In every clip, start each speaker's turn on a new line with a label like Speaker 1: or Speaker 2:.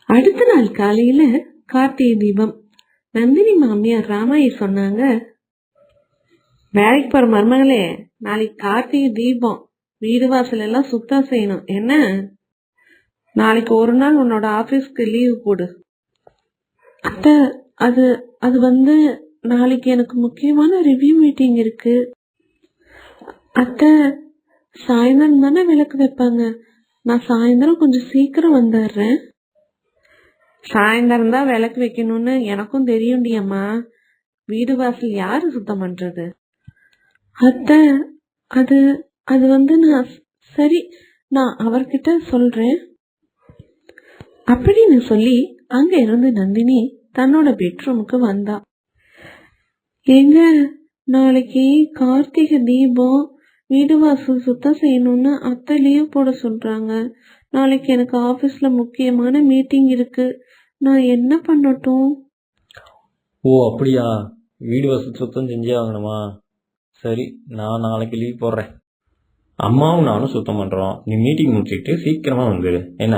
Speaker 1: அடுத்த நாள் காலையில கார்த்திகை தீபம். நந்தினி மாமியார் ராமாயி சொன்னாங்க, வேலைக்கு போற மருமகளே, நாளைக்கு கார்த்திகை தீபம், வீடு வாசல் எல்லாம் சுத்தம் செய்யணும் என்ன? நாளைக்கு ஒரு நாள் உன்னோட ஆபீஸ்க்கு லீவு போடு. அத்த, அது அது வந்து நாளைக்கு எனக்கு முக்கியமான ரிவ்யூ மீட்டிங் இருக்கு. அத்த, சாயந்தரம் தானே விளக்கு வைப்பாங்க, நான் சாயந்தரம் கொஞ்சம் சீக்கிரம் வந்துடுறேன். சாயந்தரம் தான் விளக்கு வைக்கணும்னு எனக்கும் தெரியும்டி அம்மா. வீடு வாசல் யாரு சுத்தம் பண்றது? அத்த, அது அது வந்து சரி, நான் அவர்கிட்ட சொல்றேன் அப்படின்னு சொல்லி அங்க இருந்து நந்தினி தன்னோட பெட்ரூமுக்கு வந்தா. எங்க நாளைக்கு கார்த்திகை தீபம், வீடு வாசல் சுத்தம் செய்யணும்னு அத்தை லீவ் போட சொல்றாங்க. நாளைக்கு எனக்கு ஆபீஸ்ல முக்கியமான மீட்டிங் இருக்கு, நான் என்ன பண்ணட்டும்?
Speaker 2: ஓ அப்படியா, வீடு வாசல் சுத்தம் செஞ்சே ஆகணுமா? சரி, நான் நாளைக்கு லீவ் போடுறேன். அம்மாவும் நானும் சுத்தம் பண்றோம், நீ மீட்டிங் முடிச்சுட்டு சீக்கிரமா வந்துடு என்ன?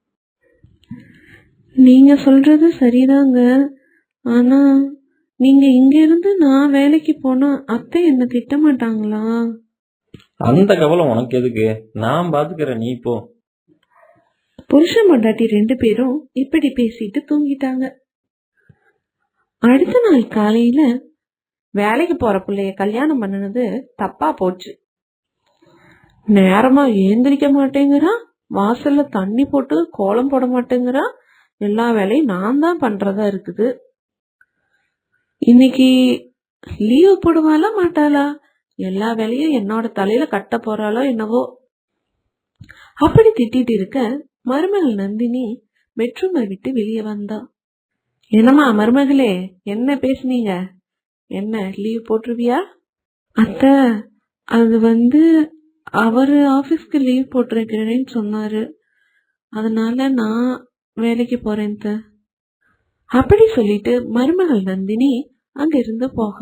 Speaker 1: நீங்க சொல்றது சரிதாங்க, ஆனா நீங்க இங்க இருந்து நான் வேலைக்கு போனா அத்தை என்ன திட்ட மாட்டாங்களா?
Speaker 2: அந்த கவலை உனக்கு எதுக்கு, நான் பாத்துக்கிறேன், நீ போ.
Speaker 1: புருஷன் பொண்டாட்டி 2 பேரும் இப்படி பேசிட்டு தூங்கிட்டாங்க. அடுத்த நாள் காலையில வேலைக்கு போற பிள்ளைய கல்யாணம் பண்ணனது தப்பா போச்சு. நேரமா ஏந்திரிக்க மாட்டேங்கிறா, வாசல்ல தண்ணி போட்டு கோலம் போட மாட்டேங்கிறா, எல்லா வேலையும் நான் தான் பண்றதா இருக்குது. இன்னைக்கு லீவு போடுவாளா மாட்டாளா? எல்லா வேலையும் என்னோட தலையில கட்ட போறாளோ என்னவோ. அப்படி திட்டிட்டு இருக்க மருமகள் நந்தினி பெட்ரூமை விட்டு வெளியே வந்தா. என்னம்மா மருமகளே, என்ன பேசுனீங்க? என்ன லீவ் போட்டுருவியா? அத்தை, அது வந்து அவரு ஆபீஸ்க்கு லீவ் போட்டிருக்கிறேன்னு சொன்னாரு, அதனால நான் வேலைக்கு போறேன். அப்படி சொல்லிட்டு மருமகள் நந்தினி அங்க இருந்து போக,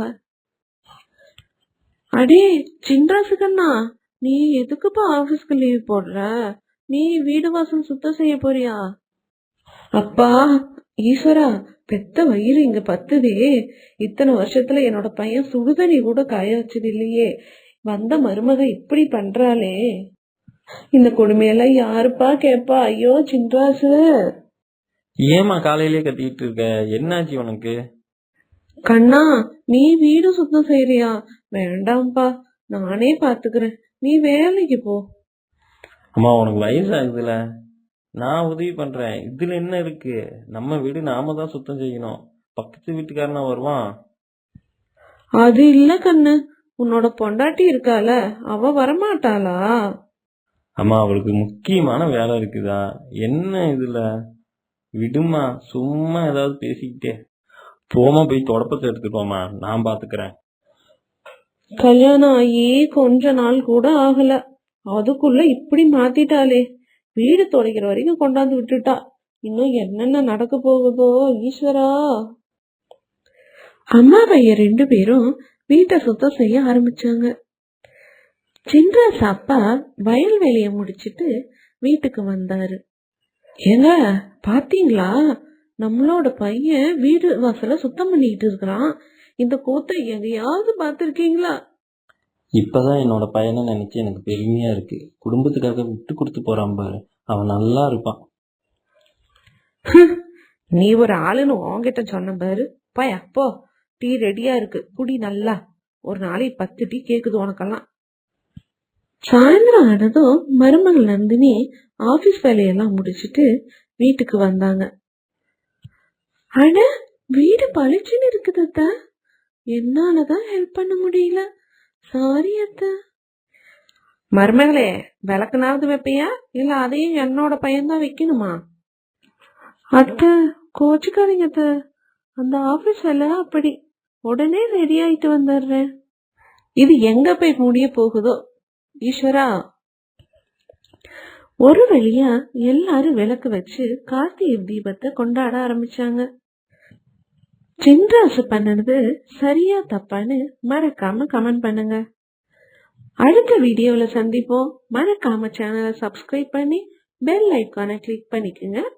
Speaker 1: அடே சின்ராசுகண்ணா, நீ எதுக்குப்பா ஆபீஸ்க்கு லீவ் போடுற? நீ வீடு வாசல் சுத்தம் செய்ய போறியா? அப்பா ஈஸ்வரா, பெத்த வயிறு இங்க பத்துதே. இத்தனை வருஷத்துல என்னோட பையன் சுடுதண்ணி கூட காய வச்சது இல்லையே, வந்த மருமக இப்படி பண்றாளே, இந்த கொடுமையெல்லாம் யாருப்பா கேப்பா? ஐயோ சின்ராசு.
Speaker 2: ஏமா காலையிலே கத்திட்டு இருக்க, என்னாச்சு உனக்கு?
Speaker 1: கண்ணா, நீ வீடு சுத்தம் செய்யறியா? வேண்டாம்ப்பா, நானே பாத்துக்கிறேன், நீ வேலைக்கு போ.
Speaker 2: அம்மா உனக்கு வயசாகுதுல, நான் உதவி பண்றேன், இதுல என்ன இருக்கு? நம்ம வீடு நாம தான் சுத்தம் செய்யணும், பக்கத்து வீட்டுக்காரனா வருவான்.
Speaker 1: அது இல்ல கண்ணு, உன்னோட பொண்டாட்டி இருக்கால, அவ வரமாட்டாளா?
Speaker 2: அம்மா அவளுக்கு முக்கியமான வேலை இருக்குதா என்ன இதுல? விடுமா, சும்மா ஏதாவது பேசிக்கிட்டே போமா, போய் தொடப்பத்தை எடுத்துக்கோமா, நான் பாத்துக்கிறேன்.
Speaker 1: கல்யாணம் ஆகி கொஞ்ச நாள் கூட ஆகல, அதுக்குள்ள இப்படி மாத்திட்டாளே. வீடு துடைக்கிற வரைக்கும் கொண்டாந்து விட்டுட்டா, இன்னும் என்னென்ன நடக்க போகுதோ ஈஸ்வரா. அம்மா பையன் 2 பேரும் வீட்டை சுத்தம் செய்ய ஆரம்பிச்சாங்க. சின்ராஸ் அப்பா வயல் வேலையை முடிச்சிட்டு வீட்டுக்கு வந்தாரு. ஏங்க பாத்தீங்களா, நம்மளோட பையன் வீடு வாசல சுத்தம் பண்ணிட்டு இருக்கிறான். இந்த கூத்தை எங்கேயாவது பாத்திருக்கீங்களா?
Speaker 2: இப்பதான் என்னோட பையனை நினைச்சு எனக்கு பெருமையா இருக்கு. குடும்பத்துக்காக விட்டு கொடுத்து போறான் பாரு, அவன் நல்லா இருப்பான்.
Speaker 1: நீ ஒரு ஆளுன்னு உன்கிட்ட சொன்ன பாரு. பயா போ, டீ ரெடியா இருக்கு, குடி நல்லா. ஒரு நாளைக்கு 10 டீ கேக்குது உனக்கெல்லாம். சாயந்தரம் ஆனதும் மருமகள் நந்தினி ஆபீஸ் வேலையெல்லாம் முடிச்சிட்டு வீட்டுக்கு வந்தாங்க. ஆனா வீடு பளிச்சுன்னு இருக்குது அத்தா, என்னாலதான் ஹெல்ப் பண்ண முடியல, சாரி அத்தா. மருமகளே, விளக்குனாவது வைப்பியா, இல்ல அதையும் என்னோட பையன்தான் வைக்கணுமா? அத்தை கோச்சுக்காதீங்க அத்தை, அந்த ஆபீஸ் வேலை அப்படி, உடனே ரெடி ஆயிட்டு வந்துடுறேன். இது எங்க போய் முடிய போகுதோ ஈஸ்வரா. ஒரு வழியா எல்லாரும் விளக்கு வச்சு கார்த்திகை தீபத்தை கொண்டாட ஆரம்பிச்சாங்க. சின்ராசு பண்ணது சரியா தப்பான்னு மறக்காம கமெண்ட் பண்ணுங்க. அடுத்த வீடியோல சந்திப்போம். மறக்காம சேனலை சப்ஸ்கிரைப் பண்ணி பெல் ஐக்கானை கிளிக் பண்ணிக்கோங்க.